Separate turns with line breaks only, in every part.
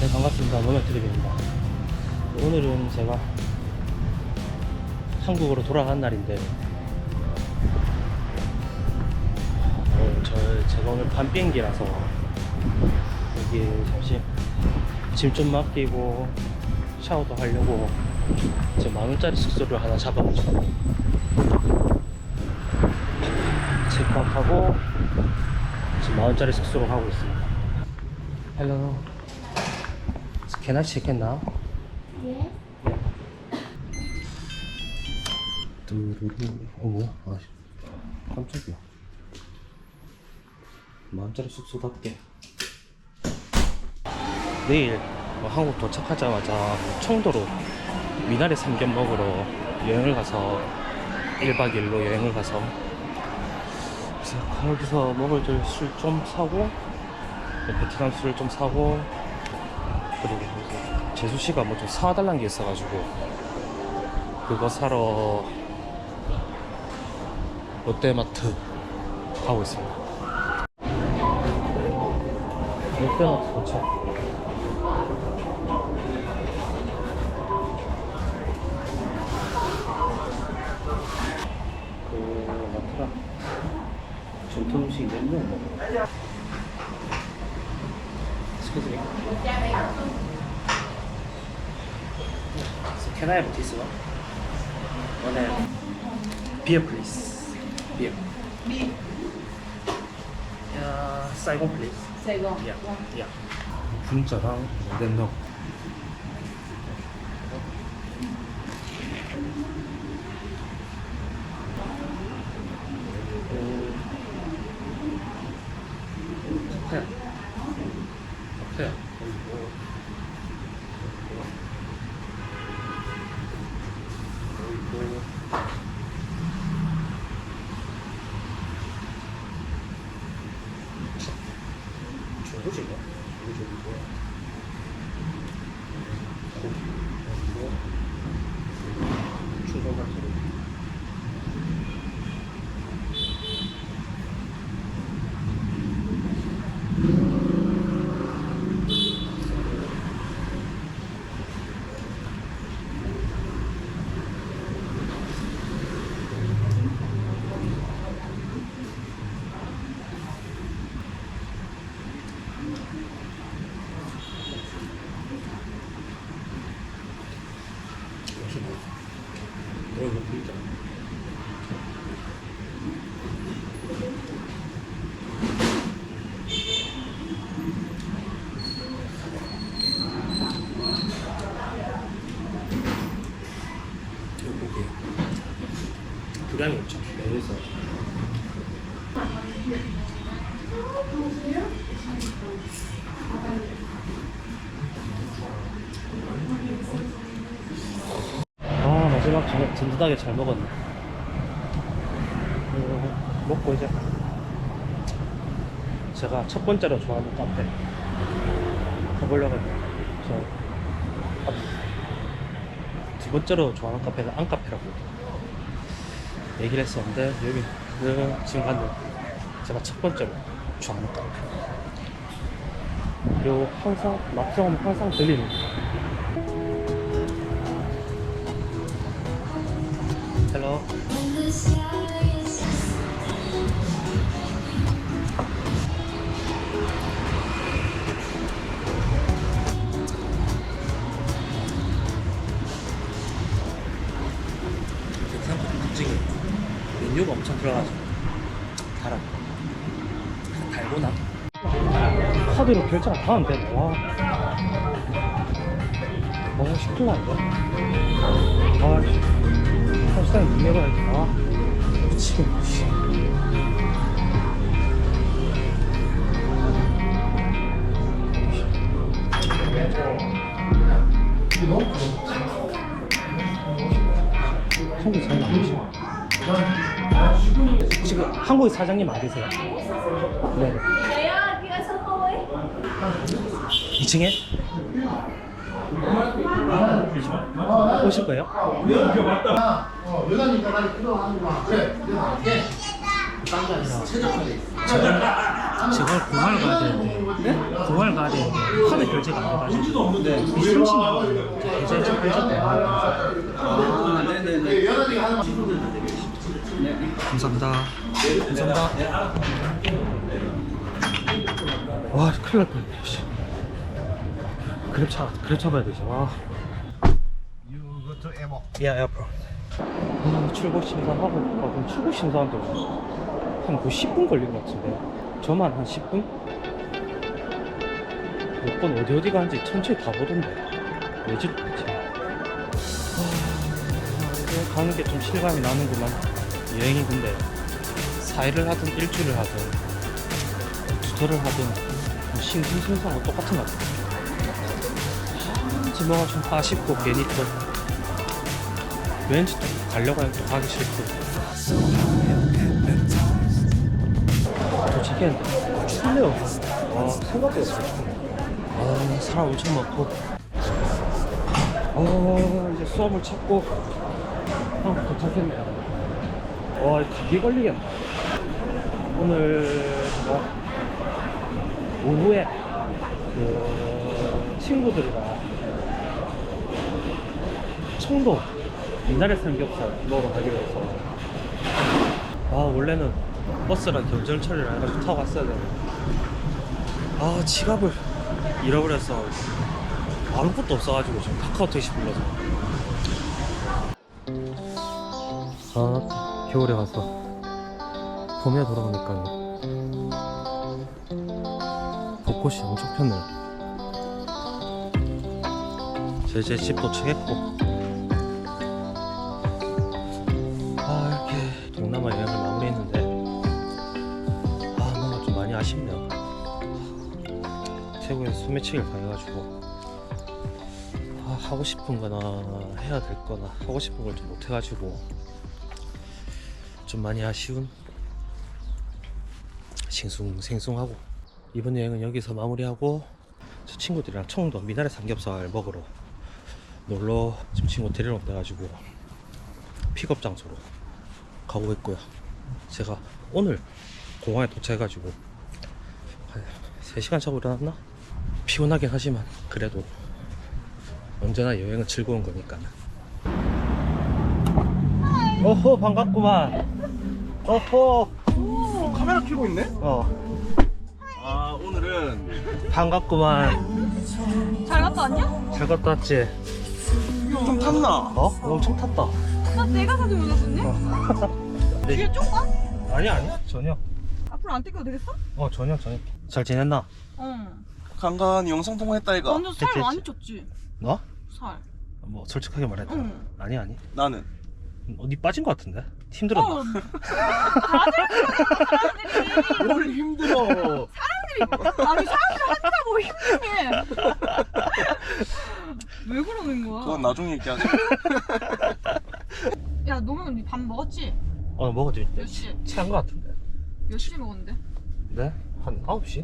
네, 반갑습니다. 노면트립입니다. 오늘은 제가 한국으로 돌아간 날인데 제가 오늘 밤 비행기라서 여기 잠시 짐 좀 맡기고 샤워도 하려고 제 10,000원짜리 숙소를 하나 잡아가지고 체크아웃하고 지금 10,000원짜리 숙소로 가고 있습니다. Hello. Can I check in now?
Yes.
두루루. 뭐야? 아, 깜짝이야. 10,000원짜리 숙소답게. 내일 한국 도착하자마자 청도로 미나리 삼겹 먹으러 여행을 가서 1박 2일로 여행을 가서 거기서 먹을 술 좀 사고 베트남 술을 좀 사고 그리고 재수씨가 뭐 좀 사달라는 게 있어가지고 그거 사러 롯데마트 가고 있습니다. 롯데마트 도착. 그 마트가 전통 음식이 너무 먹어. Excuse me. So can I have this one? One beer, please. Beer.
Beer.
Saigon, please.
Saigon.
Yeah. Yeah. 분짜랑 냉면. 카페야. 카페야. 중국인가? 중국 같은 이거 보이자. 이거 보게. 분량이 엄청 매해서. 마지막 든든하게 잘 먹었네. 먹고 이제 제가 첫 번째로 좋아하는 카페 가보려고 해요. 두 번째로 좋아하는 카페는 안카페라고 얘기를 했었는데 여기는 지금 가는 제가 첫 번째로 좋아하는 카페. 그리고 항상 막상 항상 들리는 헬로. 베트남 특징이 메뉴가 엄청 들어가지고 달아. 달고나 카드로 결제가 다 안 돼. 와 시킬라 이거. 사실상 눈내가 아 미치겠네. 한국 잘 나오시죠? 지금 한국에 사장님 맞으세요? 네. 2층에? 오실 거예요?
여자니까 나를 끌어안고 와. 그래, 내가 갈게. 딴게 아니라 최적화돼 있어.
지금 공항을 가야 되는데 공항을 가야 되는데 카드 결제가 안 돼가지고 네. 미술치면 결제 좀 해줬대.
아, 네네네.
감사합니다. 감사합니다. 와 큰일 날 뻔했네. 씨. 그랩 잡아야 되지. 와. 야, 야, 브로. 출국 심사하고 그럼 출국 심사한테 한 10분 걸린 것 같은데. 저만 한 10분? 몇 번 어디 가는지 천천히 다 보던데. 왜지 도대체? 이제 가는 게 좀 실감이 나는구만. 여행이 근데 4일을 하든 일주일을 하든 두달을 하든 싱숭생숭하고 똑같은 것 같아. 뭐가 좀 아쉽고 괜히 또 왠지 또 가려고 하면 또 가기 싫고. 도착했는데 춥네요. 와 생각보다 춥네. 사람 엄청 많고 이제 수업을 찾고 도착했네요. 와 감기 걸리겠네. 오늘 오후에 그 친구들이랑 청도 미나리 삼겹살 먹으러 가기로 해서 원래는 버스랑 경전철이라 해가지고 타고 갔어야 되는데 지갑을 잃어버려서 아무것도 없어가지고 지금 카카오 택시 불러서 겨울에 가서 봄에 돌아오니까 벚꽃이 엄청 폈네요. 제 집 도착했고 이렇게 동남아 여행을 마무리했는데 뭔가 좀 많이 아쉽네요. 태국에서 소매치기를 당해가지고 하고 싶은 거나 해야 될 거나 하고 싶은 걸 좀 못해가지고 좀 많이 아쉬운 싱숭생숭하고 이번 여행은 여기서 마무리하고 저 친구들이랑 청도 미나리 삼겹살 먹으러 놀러 지금 친구 데리러 온다가지고 픽업 장소로 가고 있고요. 제가 오늘 공항에 도착해가지고 한 3시간 자고 일어났나? 피곤하긴 하지만 그래도 언제나 여행은 즐거운 거니까. 어허 반갑구만. 어허
카메라 켜고 있네? 오늘은
반갑구만.
잘 갔다 왔냐?
잘 갔다 왔지?
좀 탔나?
엄청 탔다.
나 내가 사진 올렸었네? 뒤에 좀 가?
아니 전혀.
앞으로 안 뜯겨도 되겠어?
전혀 잘 지냈나?
간간히 영상 통화했다 이가.
완전 살
됐지,
많이
됐지.
쪘지?
너?
살.
뭐 솔직하게 말해도
응.
아니
나는
어디 빠진 것 같은데? 힘들었나?
사람들이
뭘 힘들어.
아니 사람들이 한다고 힘드네. 왜 그러는 거야?
그건 나중에 얘기하자.
야 너는 밥 먹었지?
먹었지.
몇 시?
체한 것 같은데.
몇 시에 먹었는데?
네? 한 9시?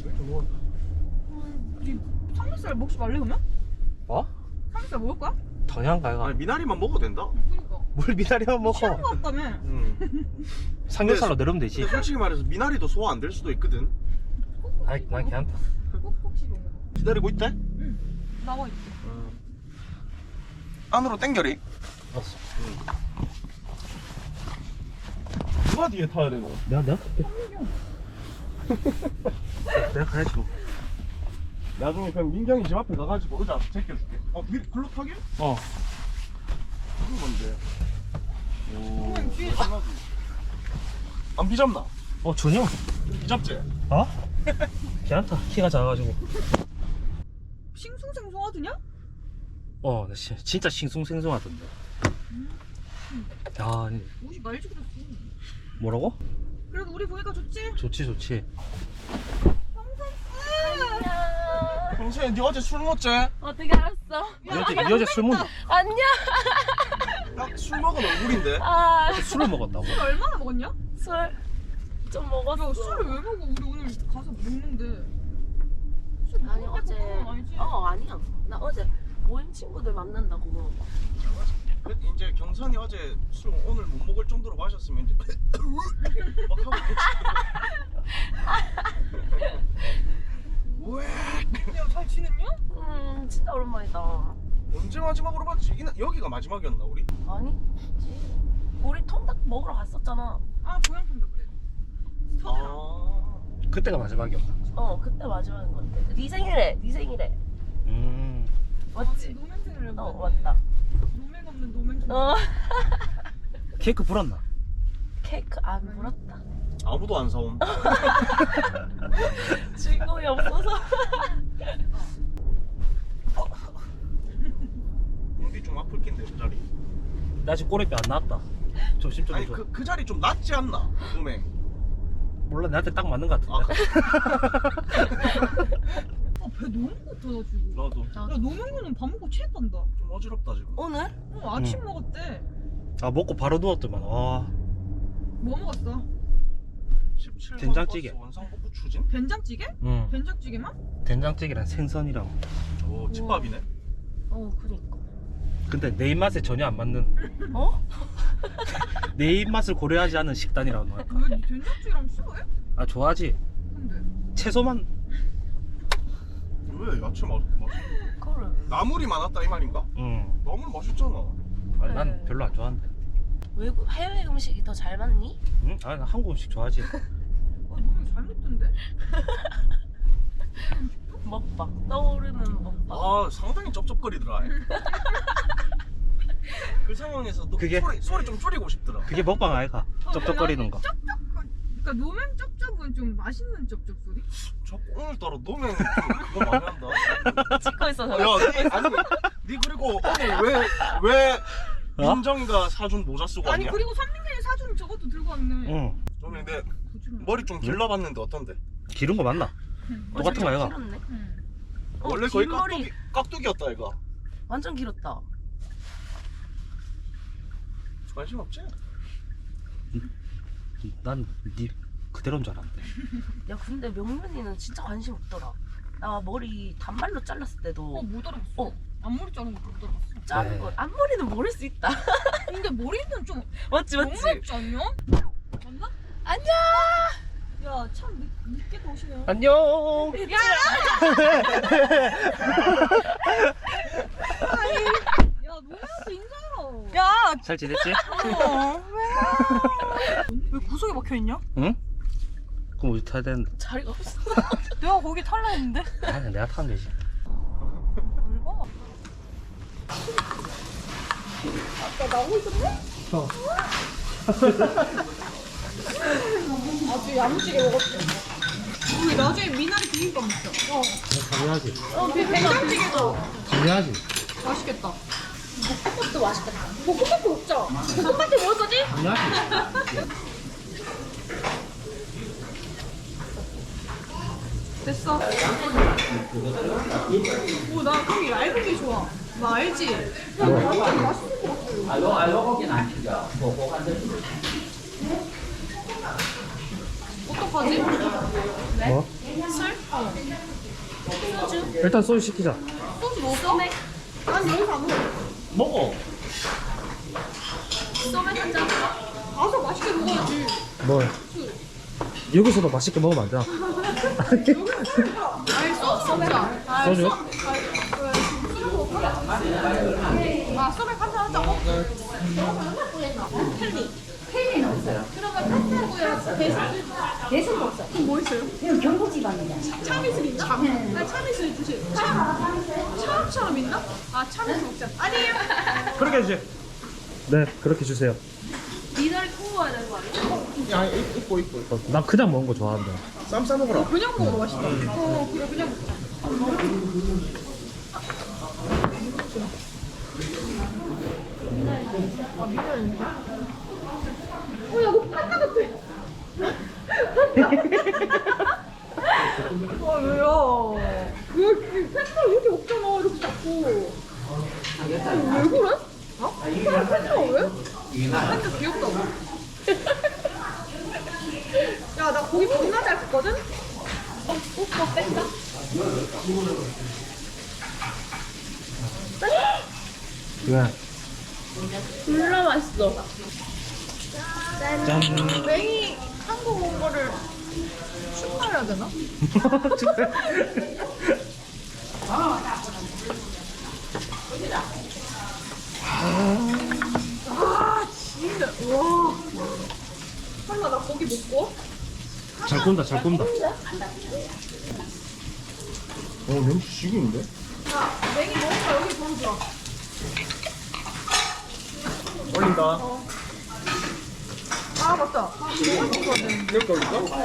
우리 삼겹살 먹지 말래 그러면?
뭐?
삼겹살 먹을 거야?
당연한 거야.
아니 미나리만 먹어도 된다.
그러니까
뭘 미나리만 먹어.
취한 거 같다며.
삼겹살로 내려면 되지.
근데 솔직히 말해서 미나리도 소화 안 될 수도 있거든.
아이 난 괜찮다.
꼭꼭 씹어 먹어.
기다리고 있대?
응 나와 있대.
안으로 땡겨리.
알았어.
누가 뒤에 타야 되고?
내가 갈게. 내가 가야지 뭐.
나중에 그냥 민경이 집 앞에 가가지고 의자 제껴줄게. 글로 타게? 그건 뭔데?
그냥 뒤에
안 비잡나?
전혀.
비잡지?
괜찮다. 키가 작아가지고.
싱숭생숭하더냐?
나 진짜 싱숭생숭하던데. 야,
옷이 말지 그랬어.
뭐라고?
그래도 우리 보니까 좋지?
좋지.
평소에 니 어제 술 먹지?
어떻게 알았어?
이 여자 술 먹나?
안녕.
딱 술 먹은 얼굴인데?
술을 먹었다고?
술 얼마나 먹었냐?
술 좀 먹었어.
야 술을 왜 먹어? 우리 오늘 가서 먹는데. 술
아니
먹을
어제
건 아니지?
아니야. 나 어제 모임 친구들 만난다고.
이제 경선이 어제 술 오늘 못 먹을 정도로 마셨으면 이제 막 하고 있겠지. 왜?
야, 잘 지냈냐?
진짜 오랜만이다.
언제 마지막으로 봤지? 여기가 마지막이었나 우리?
아니, 우리 통닭 먹으러 갔었잖아.
아, 고향 통닭 그래. 서대랑.
아.
그때가 마지막이었다.
그때 마지막인 것 같아. 네 생일에. 맞지?
노맹생을 해봤네.
맞다.
노맹 없는 노맹.
케이크 불었나?
케이크 안 불었다.
아무도 안 사옴.
주인공이 없어서.
공기 좀 아플 낀데 그 자리.
나 지금 꼬리뼈 안 나왔다. 조심 좀
아니
해줘.
그 자리 좀 낫지 않나? 음행.
몰라 나한테 딱 맞는 것
아,
같은데.
배 너무 고파가지고.
나도
야, 노맹구는 밥 먹고 취했단다.
좀 어지럽다 지금.
오늘?
아침 먹었대.
아 먹고 바로 누웠더만. 와.
뭐 먹었어?
17번
된장찌개.
버스 원상복구 추진?
된장찌개?
응.
된장찌개만?
된장찌개랑 생선이랑.
오 집밥이네.
그니까.
근데 내 입맛에 전혀 안 맞는. 내 입맛을 고려하지 않은 식단이라고 할까.
왜 된장찌개랑 싫어해?
아 좋아하지.
근데
채소만.
왜 야채 맛?
그래.
나물이 많았다 이 말인가?
응.
나물 맛있잖아.
아, 난
네.
별로 안 좋아하는데.
외국 해외 음식이 더 잘 맞니?
응? 아, 나 한국 음식 좋아하지.
너무 잘 먹던데?
먹방. 떠오르는 먹방.
아 상당히 쩝쩝거리더라. 그 상황에서 또
그게-
소리 좀 줄이고 싶더라.
그게 먹방 아이가. 쩝쩝거리는 거.
그러니까 노맹 쩝쩝은 좀 맛있는 쩝쩝 소리?
저 오늘따라 노면 좀 그거 많이 한다.
찍고 있어서.
야, 아니, 니 그리고 오늘 왜
어?
민정이가 사준 모자 쓰고
아니
왔냐?
그리고 선민이의 사준 저것도 들고 왔네.
응.
좀 근데
거짓말.
머리 좀 길러봤는데 어떤데?
기른 거 맞나? 똑같은 거 아이가?
길었네.
응.
원래 거의
긴 머리.
깍두기였다 이거.
완전 길었다.
관심 없지?
난 니 그대로인 줄 알았는데.
야 근데 명륜이는 진짜 관심 없더라. 나 머리 단발로 잘랐을 때도
못 알아봤어.
어.
앞머리 자른 거못 알아봤어.
자른
네.
걸 앞머리는 모를 수 있다.
근데 머리는 좀
맞지
너무
맞지.
얇지 않냐? 맞나?
안녕.
야 참 늦게 오시네.
안녕.
야 노래한테 인사해라.
야.
잘 지냈지?
왜 구석에 막혀 있냐?
응? 그럼 어디 타야 되는데?
자리가 없어.
내가 거기 탈라 했는데.
아니 내가 타면 되지.
뭘 아까 나오고 있었네? 아주 야무지게 먹었대. 우리 나중에 미나리 비빔밥 먹자.
당연하지.
된장찌개도
당연하지.
맛있겠다.
볶음밥도 맛있겠다.
볶음밥도 먹자. 볶음밥도 먹을 거지?
당연하지.
됐어. 오, 나 그게 얇은 게 좋아. 나 알지? 완전 맛있을 것 같아. 어떡하지?
뭐?
술?
일단 소주 시키자.
소주 먹어? 난 여기서 안 먹어.
먹어.
소맥 한 잔.
가서 맛있게 먹어야지.
뭐? 여기서도 맛있게 먹으면 안 되나?
알겠어, 소맥.
소주?
아, 소맥 한잔 하자고? 켈리 없어요. 그러면 펜타고요. 대신 없어요. 그럼 뭐 있어요?
이거 경고지방이다.
참이슬 있나? 아, 참이슬 주세요. 참처럼 있나? 아, 참이슬 먹자. 아니에요.
그렇게 해주세요. 네, 그렇게 주세요.
미나리 구워야 되는 거 아니야?
야 이뻐.
난 그냥 먹는 거 좋아하는데.
쌈 싸먹어라.
그냥 먹어도 맛있다. 그래, 그냥 먹자. 야, 너 판다 같아. 아, 왜요? 왜 팬다 이렇게 먹잖아, 이렇게 자꾸. 왜 그래? 어? 팬다 왜? 팬다 귀엽다고. 야, 나 고기 겁나 잘 굽거든? 오빠 뺀다?
왜?
졸라 맛있어.
짠.
맹이 한국 온 거를 축하해야 되나? 아 진짜 와. 설마 나 고기 못 구워?
잘 굽는다 잘 굽는다.
냄새 죽이는데?
야 냉이 먹으니까 여기 보여줘.
올린다.
아 맞다. 아 이거 먹어야 되는데.
여기 올릴까?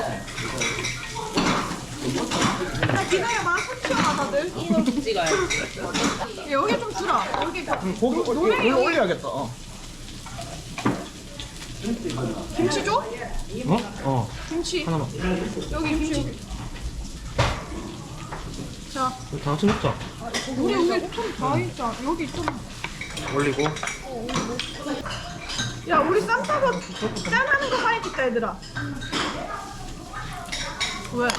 야 기다려봐. 손 튀어나 다들.
이렇게 찍어야지.
여기 좀 주라. 여기
고기
노랭이 여기
올려야겠다.
김치 줘?
어
김치.
하나만.
여기 김치 여기. 자,
다 같이 먹자.
우리 여기 좀다 있자. 여기 좀.
올리고.
야, 우리 쌈싸고 짠하는 거 사이 찍자 얘들아. 왜?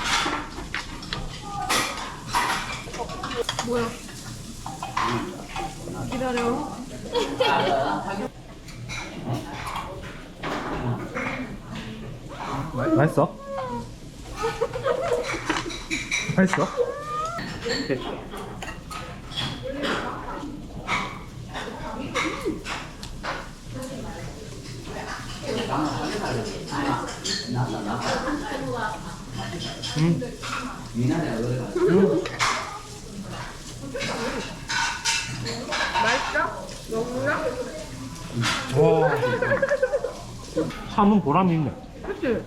뭐야? 기다려.
맛있어? 맛있어? 오케이.
맛있어? 먹을래?
와. 참은 보람이 있네.
그치?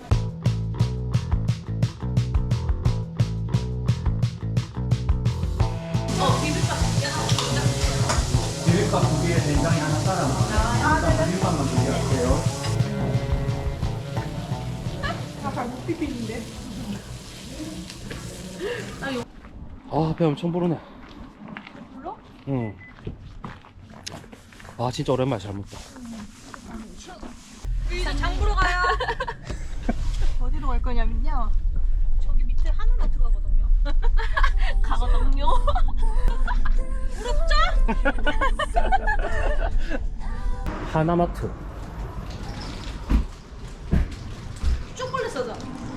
비빔밥 2개에 된장이 하나 따라. 일단 비빔밥만 준비할게요.
아잘못 비비는데.
아, 배 엄청 부르네.
불러?
응. 아, 진짜 오랜만에 잘 먹다.
이제 장 보러 가요. 어디로 갈 거냐면요. 저기 밑에 하늘마트 가거든요.
가거든요.
하나마트.
초콜릿 사자.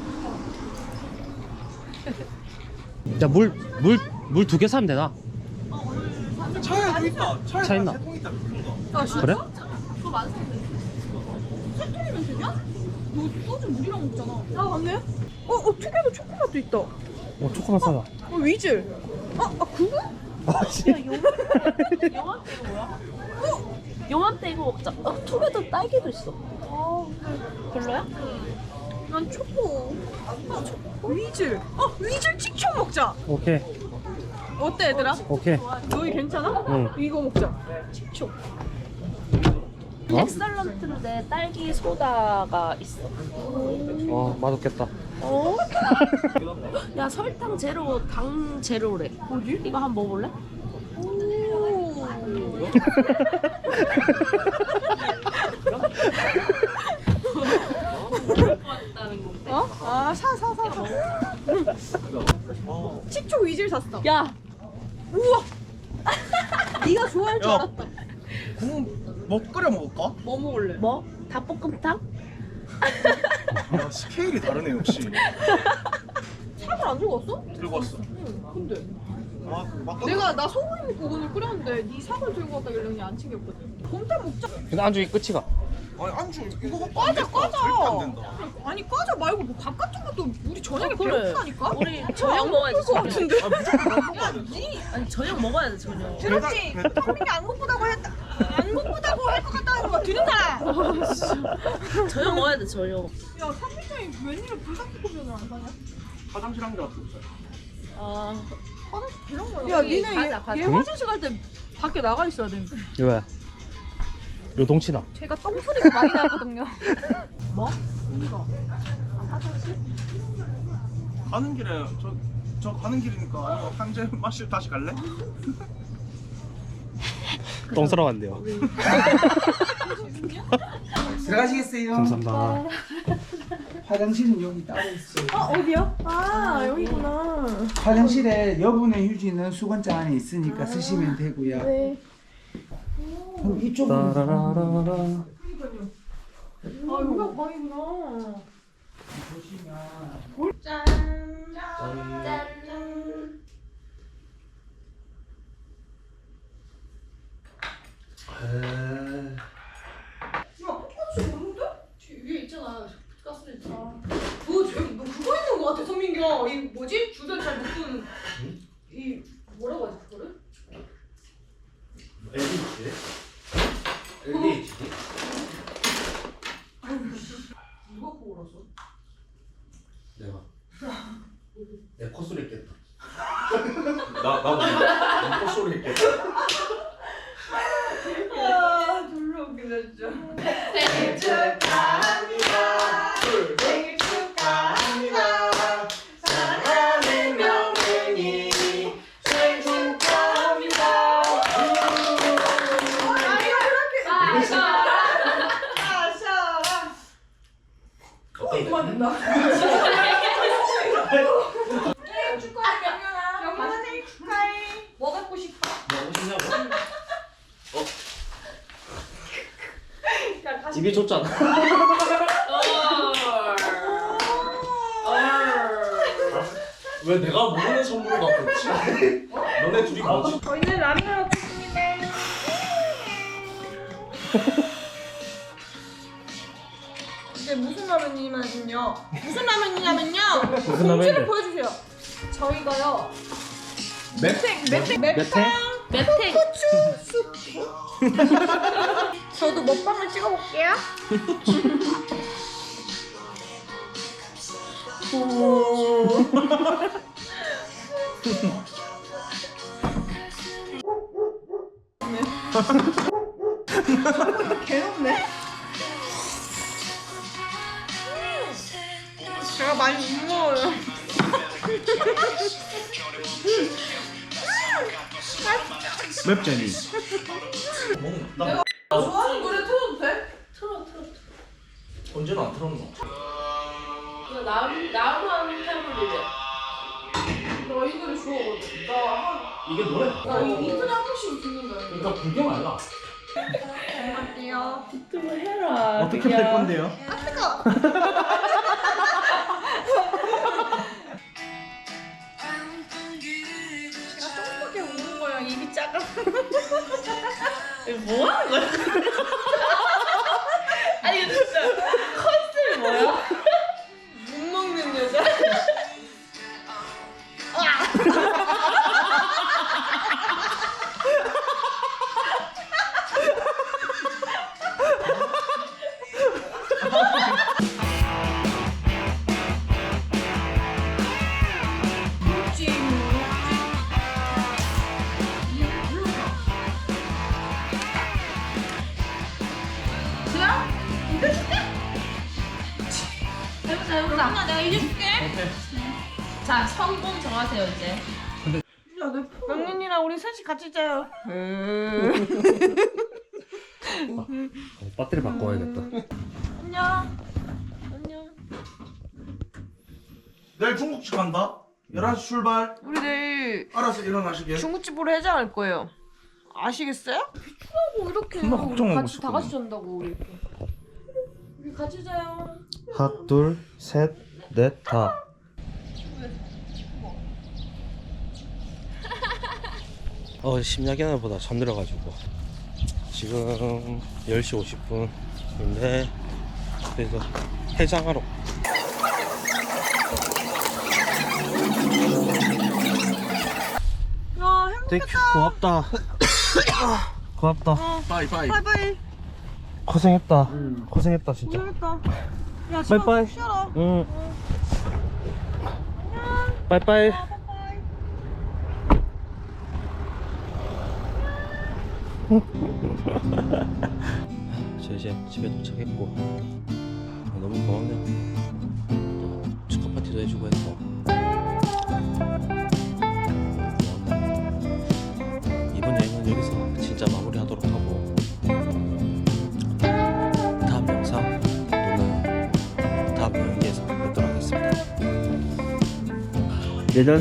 자, 물 2개 사면 되나?
차에도 있다.
차 있나?
세통 있다. 그런가?
아 진짜?
그래?
그거 많은데. 세 통이면 되냐? 너 소주 물이랑 먹잖아. 아 맞네. 투개도 초코맛도 있다.
초코만 사자.
위즐. 그거?
아, 씨.
요맘때 이거 뭐야? 요맘때 이거 먹자. 투게더 딸기도 있어. 별로야?
난 초코. 위즐. 위즐 칙초 먹자.
오케이.
어때 얘들아?
오케이.
너희 괜찮아?
응.
이거 먹자. 칙초.
어?
엑설런트인데 딸기 소다가 있어.
맛없겠다.
어? 야 설탕 제로, 당 제로래.
뭐지?
이거 한번 먹어볼래?
오. 사. 칙초 위즐 샀어.
야,
우와. 네가 좋아할 줄
야.
알았다.
국물 뭐 끓여 먹을까?
뭐 먹을래?
뭐? 닭볶음탕?
야, 스케일이 다르네 역시.
사을 안 들고 왔어?
들고 왔어.
응. 근데
맞다.
나 소고기 먹고 오늘 끓였는데 네 사을 들고 왔다길래 그냥 안 챙겼거든. 곰탕 먹자.
근데 안주기 끝이가.
아니 안주 이거 갖고
과자
안 될까? 절대 안 된다.
아니 과자 말고 뭐 밥 같은 것도 우리 저녁에
그래.
배고프다니까.
우리 저녁 먹어야지.
것 같은데.
아 무조건 밥 먹어야 된다.
아니 저녁 먹어야 돼 저녁.
들었지? 토민이 안 고프다고 했다. 안 고프다고 할 것 같다는 거 들은 사람.
저녁 먹어야 돼 저녁.
야 삼미장이 웬일로 불닭볶음면을 안 사냐?
화장실 한 개 갖고 있어요.
아
화장실 그런 거야. 야 니네 얘
응?
화장실 갈 때 밖에 나가 있어야 돼.
왜? 요동치나.
제가 똥 소리가 많이 나거든요.
뭐?
언니가
가는 길에 저 가는 길이니까 한재 마실 다시 갈래?
똥 싸러 간대요.
들어가시겠어요?
감사합니다.
화장실은 여기 따로 있어요.
어디야? 여기구나.
화장실에 여분의 휴지는 수건장 안에 있으니까 쓰시면 되고요.
네.
그럼 이쪽으로
따라라라라.
여기가 방이구나. 짠. 야, 똑같이 오는데? 뒤 위에 있잖아. 가스레인지. 너 그거 있는 거 같아, 성민경. 이 뭐지? 주변 잘 못 끄는. 이 뭐라고 하지 그거를?
LDHD? LDHD?
누가 그거 알았어?
내가 내 콧소리 했겠다.
나도 콧소리 했겠다.
아, 졸라 웃기다 진짜. 생일 축하합니다. 생일 축하합니다. 사랑하는 명은이 생일 축하합니다. 아, 이거 이렇게. 아샤. 이거 안 된다. 생일 축하해, 명현아. 명현아 생일 축하해. 뭐 갖고 싶어?
뭐 하시냐고?
야, 다시.
입이 좁잖아. 왜 내가 모르는 선물을 갖고 있지?
너네 둘이 뭐지?
저희는 라면을 먹고 있습니다. 이게 무슨 라면이냐면요. 무슨 라면이냐면요.
무슨
공지를
라면인데?
보여주세요. 저희가요.
매탱?
매탱 고추 수프. 저도 먹방을 찍어볼게요. 괴롭네. 제가 많이 못 먹어요.
맵쟁이.
나
좋아하는 노래 틀어도 돼?
틀어.
언제는 안 틀었노?
이거 나만 해볼래.
나 이 노래 좋아하거든.
이게 노래?
나 이틀에 한 번씩 듣는 거야.
그러니까 구경 알라.
안녕하세요.
유튜브 해라.
어떻게 뺄 건데요?
아 뜨거. 제가 조금밖에 우는 거야. 입이 작아.
뭐 하는 거야? 아니 이거 진짜 컨셉이 뭐야?
못 먹는 여자.
해보자. 내가 이겨줄게. 자, 성공 정하세요 이제.
명륜이랑 우리 셋이 같이 자요.
배터리 바꿔야겠다.
안녕.
내일 중국집 간다. 11시 출발.
우리 내일
알아서 일어나시게.
중국집으로 해장할 거예요. 아시겠어요? 비추라고 이렇게
존나 걱정하고
같이 다
있었거든.
같이 잔다고 우리 이렇게. 우리 같이 자요.
하나, 둘, 셋, 넷, 다. 심야견보다 잠들어가지고 지금 10시 50분인데 그래서 해장하러.
야
땡큐, 고맙다. 고맙다.
빠이빠이.
바이바이.
고생했다. 고생했다 진짜.
고생했다. 야
바이바이.
쉬어라.
응. 빠이빠이. 저 이제 집에 도착했고 너무 고맙네요. 또 축하 파티도 해주고 해서 이번 여행은 여기서 진짜 마무리하도록 하고 다음 영상 또는 다음 여행에서 뵙도록 하겠습니다. 내년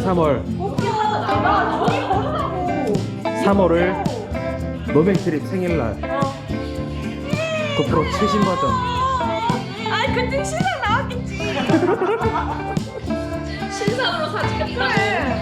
3월을 노백트립 생일날 고프로 최신 버전.
아 그때 신랑 나왔겠지.
신상으로 사주겠다.
그래.